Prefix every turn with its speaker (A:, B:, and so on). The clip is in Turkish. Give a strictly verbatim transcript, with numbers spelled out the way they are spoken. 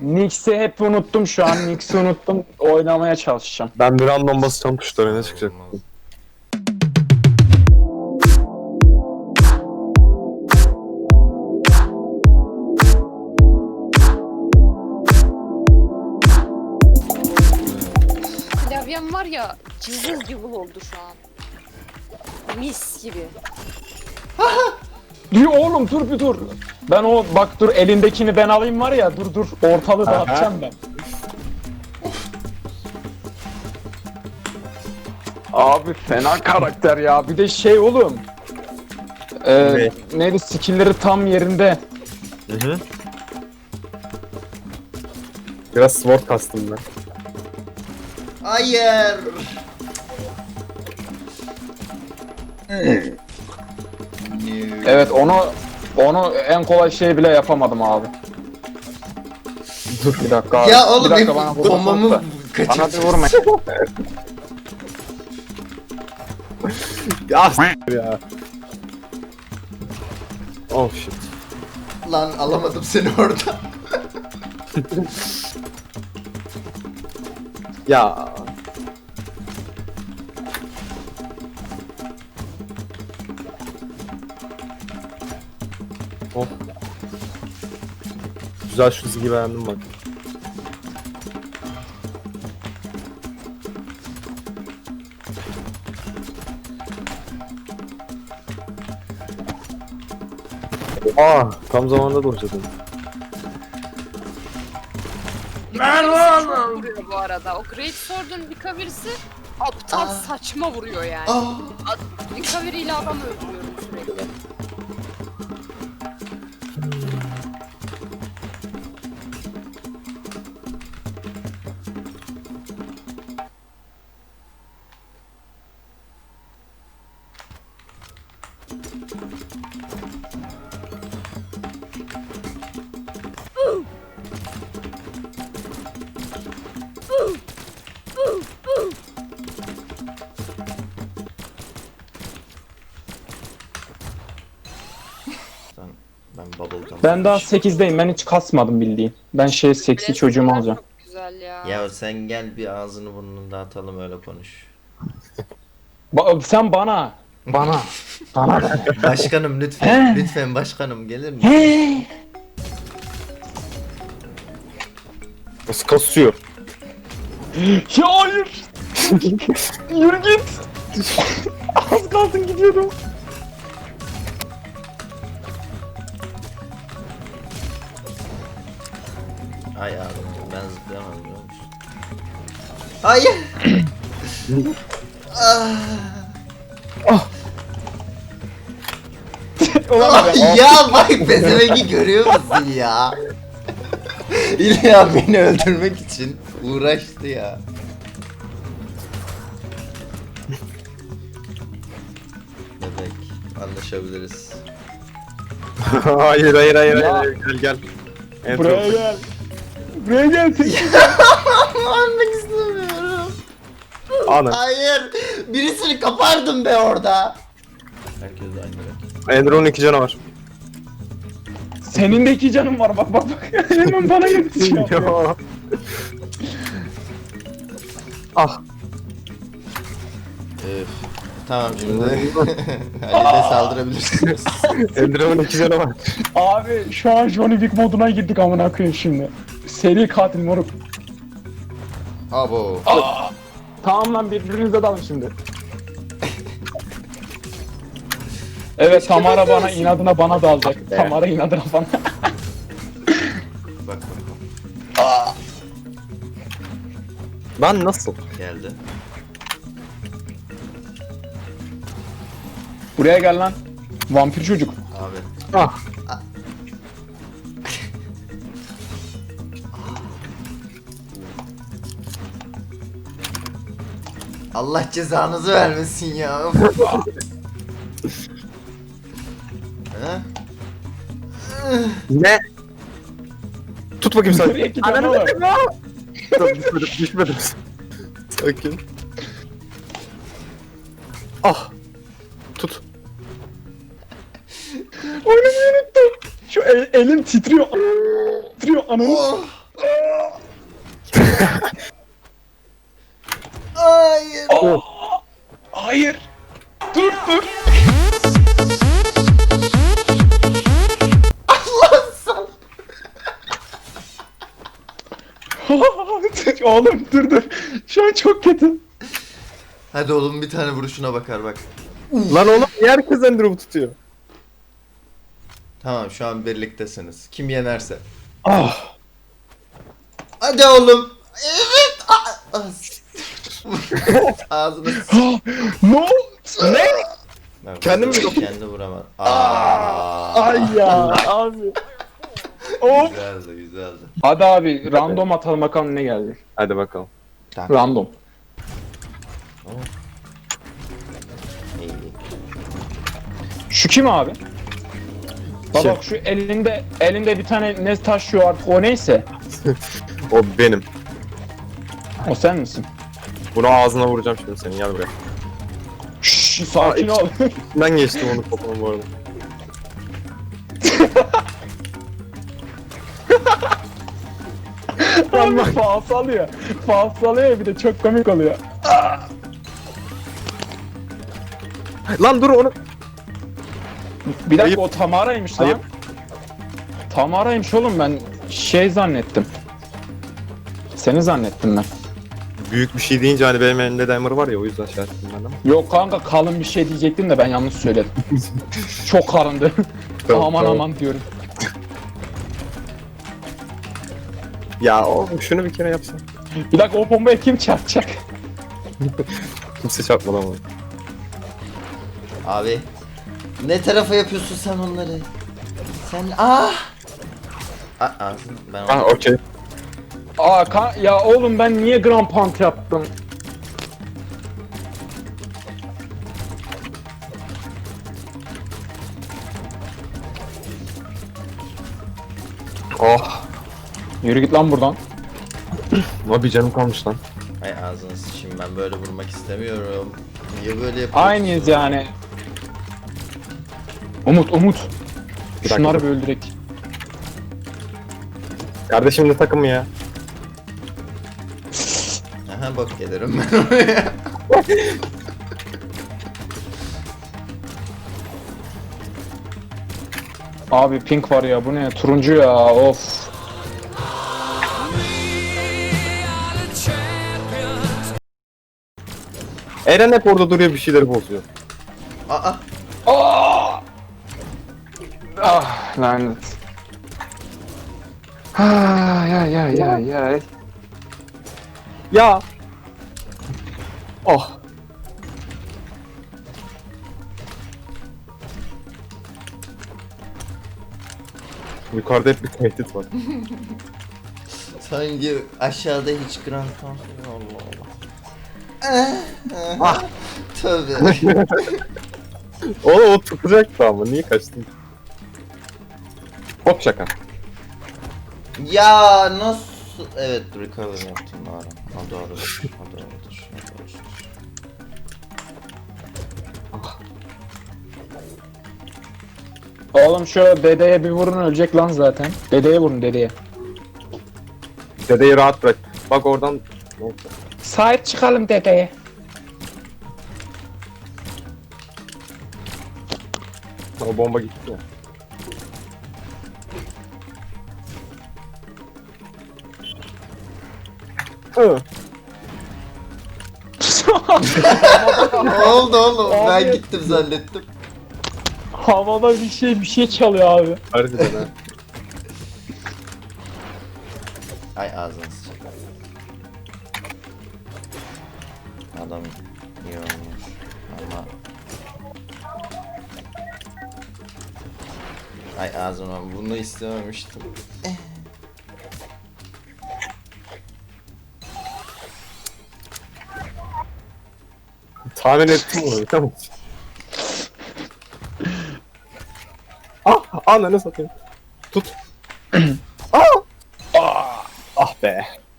A: Nix'i hep unuttum şu an. Nix'i unuttum. Oynamaya çalışacağım.
B: Ben bir random basacağım tuşlara ne çıkacak?
C: Klavyem var ya, cızıl cıvıl oldu şu an. Mis gibi.
A: Dur oğlum dur bir dur. Ben o bak dur elindekini ben alayım var ya dur dur ortalığı dağıtacağım ben. Abi fena karakter ya. Bir de şey oğlum. Ee, neydi skill'leri tam yerinde.
B: Hı hı. Biraz sword kastım ben.
D: Hayır.
A: Evet onu onu en kolay şey bile yapamadım abi. Dur bir dakika abi.
D: Ya oğlum
A: bir dakika
D: hep
A: bana vurma
D: bombamı
A: da. Bana bir vurma.
B: Ya s**t ya. Oh shit.
D: Lan alamadım seni orada.
B: Ya. Oh. Güzel şu çizgi beğendim bak. Aa, tam zamanında dolacaktım.
C: Vuruyor bu arada. O Great Sword'un recovery'si aptal
D: Aa.
C: saçma vuruyor yani.
D: Aa.
C: Ad- Recovery ile adam öldürüyorum sürekli.
D: Ben bubblegum.
A: Ben daha sekizdeyim. Ben hiç kasmadım bildiğin. Ben şey seksi
C: Blast
A: çocuğumu
C: Runner
A: alacağım.
C: Çok güzel ya.
D: Ya sen gel bir ağzını burnunu dağıtalım öyle konuş.
A: Ba- sen bana. Bana. Bana da.
D: Başkanım lütfen. Lütfen başkanım gelir mi?
A: Hey.
B: Nasıl kasıyor?
A: Ya hayır. Yürü git. Az kalsın gidiyordum.
D: Ay ağrım ben zıplayamadım biliyor musun? Hayır.
A: Ulan
D: Ah, ya bak pezevengi görüyor musun ya? İlla beni öldürmek için uğraştı ya. Bebek anlaşabiliriz.
B: hayır hayır hayır
A: Ya.
B: hayır gel gel. En
A: buraya
B: son-
A: gel. Buraya gel.
D: Ölmek istemiyorum.
B: Ana.
D: Hayır. Birisini kapardım be orada. Herkes de aynı renk.
B: Ender'ın iki canı var.
A: Senin de iki canın var bak bak bak. Hemen bana yetişiyor.
B: Ya. Ah.
D: Öf. Tamam şimdi. Halil'e saldırabilirsiniz.
B: Ender'ın iki canı var.
A: Abi şu an Johnny Wick moduna girdik amına koyayım şimdi. Seri katil moruk.
D: Abo.
A: Tamam lan birbirinize dalın şimdi. Evet Tamara bana inadına bana dalacak. Tamara inadına bana.
D: Bak bak.
B: Lan nasıl?
D: Geldi.
A: Buraya gel lan. Vampir çocuk.
D: Abi.
B: Ah.
D: Allah cezanızı vermesin ya. Ha?
B: Ne? Tut bakayım sen.
A: Buraya iki tane var.
B: Dur, düşmedim, düşmedim. Sakin. Ah. Tut.
A: Oynamayı unuttum. Şu el, elim titriyor. Titriyor ananı.
D: Oh. Hayır.
A: Oh. Hayır. Dur dur. Oğlum dur dur. Şu an çok kötü.
D: Hadi oğlum bir tane vuruşuna bakar bak.
B: Lan oğlum niye herkes Ender'ı tutuyor?
D: Tamam şu an birliktesiniz. Kim yenerse.
B: Ah.
D: Hadi oğlum. Evet. Ah, ah. Ağzını s-
A: No. Ne?
D: Ben
B: Kendim mi
D: vurdum, kendi vuramam. Aa.
A: Ay ya abi. Of.
D: Güzeldi güzeldi.
A: Hadi abi random atalım bakalım ne geldi.
B: Hadi bakalım.
A: Random.
D: İyi.
A: Şu kim abi? Bak
B: Kim?
A: bak şu elinde elinde bir tane ne taşıyor artık o neyse.
B: O benim.
A: O sen misin?
B: Bunu ağzına vuracağım şimdi senin, gel buraya.
A: Şşş sakin
B: Aa,
A: ol.
B: Ben geçtim onu topunun bu arada.
A: Ama faal salıyor. Faal salıyor ya bir de çok komik oluyor.
B: Lan dur onu.
A: Bir dakika
B: Ayıp.
A: o Tamara'ymış lan.
B: Ayıp.
A: Tamara'ymış oğlum ben şey zannettim. Seni zannettim ben.
B: Büyük bir şey deyince hani benim elimde Dimer var ya, o yüzden şey yaptım ben ama.
A: Yok kanka kalın bir şey diyecektim de ben yanlış söyledim. Çok kalındı.
B: Tamam,
A: aman
B: tamam.
A: aman diyorum.
B: Ya oğlum şunu bir kere yapsan.
A: Bir dakika o bombaya kim çarpacak?
B: Kimse çarpmadı ama.
D: Abi. Ne tarafa yapıyorsun sen onları? Sen ah. Aa, ben
B: Ah okey.
A: Aa ka- ya oğlum ben niye Grand Pant yaptım?
B: Oh.
A: Yürü git lan buradan.
B: Ama bir canım kalmış lan.
D: Ay ağzını sıçayım, ben böyle vurmak istemiyorum. Niye böyle yapıyorsun?
A: Aynıyız yani. Umut Umut.
B: Bir dakika,
A: Şunları
B: dur.
A: bir öldürek.
B: Kardeşim ne takımı ya?
D: Aha bak gelirim ben oraya.
A: Abi pink var ya bu ne? Turuncu ya of.
B: Eren hep orada duruyor, bir şeyleri bozuyor.
D: Aa.
A: Aa! Ah lanet. Ay ay ay ay ay.
B: Ya. Oh. Yukarıda hep bir tehdit var.
D: Sanki aşağıda hiç Grand Theft Allah Allah. Ah. Tövbe.
B: Oğlum o tutacaktı ama niye kaçtın? Hop şaka.
D: Ya nasıl? Evet recover yaptım doğru. O doğrudur. O doğrudur. O doğrudur.
A: Oğlum şu dedeye bir vurun ölecek lan zaten. Dedeye vurun dedeye.
B: Dedeyi rahat bırak. Bak oradan... Neyse.
A: Sahip çıkalım dedeye.
B: O bomba gitti ya. Hı.
D: Ne oldu oğlum?
A: Abi.
D: Ben gittim zannettim.
A: Havada bir şey bir şey çalıyor abi.
B: Harbiden ha.
D: Ay ağzını sıçacak. Adam iyi olmuş ama... Ay ağzıma bunu istememiştim.
B: Tahmin ettim onu, tamam. Ah, ananı satayım. Tut. Ah! Ah be.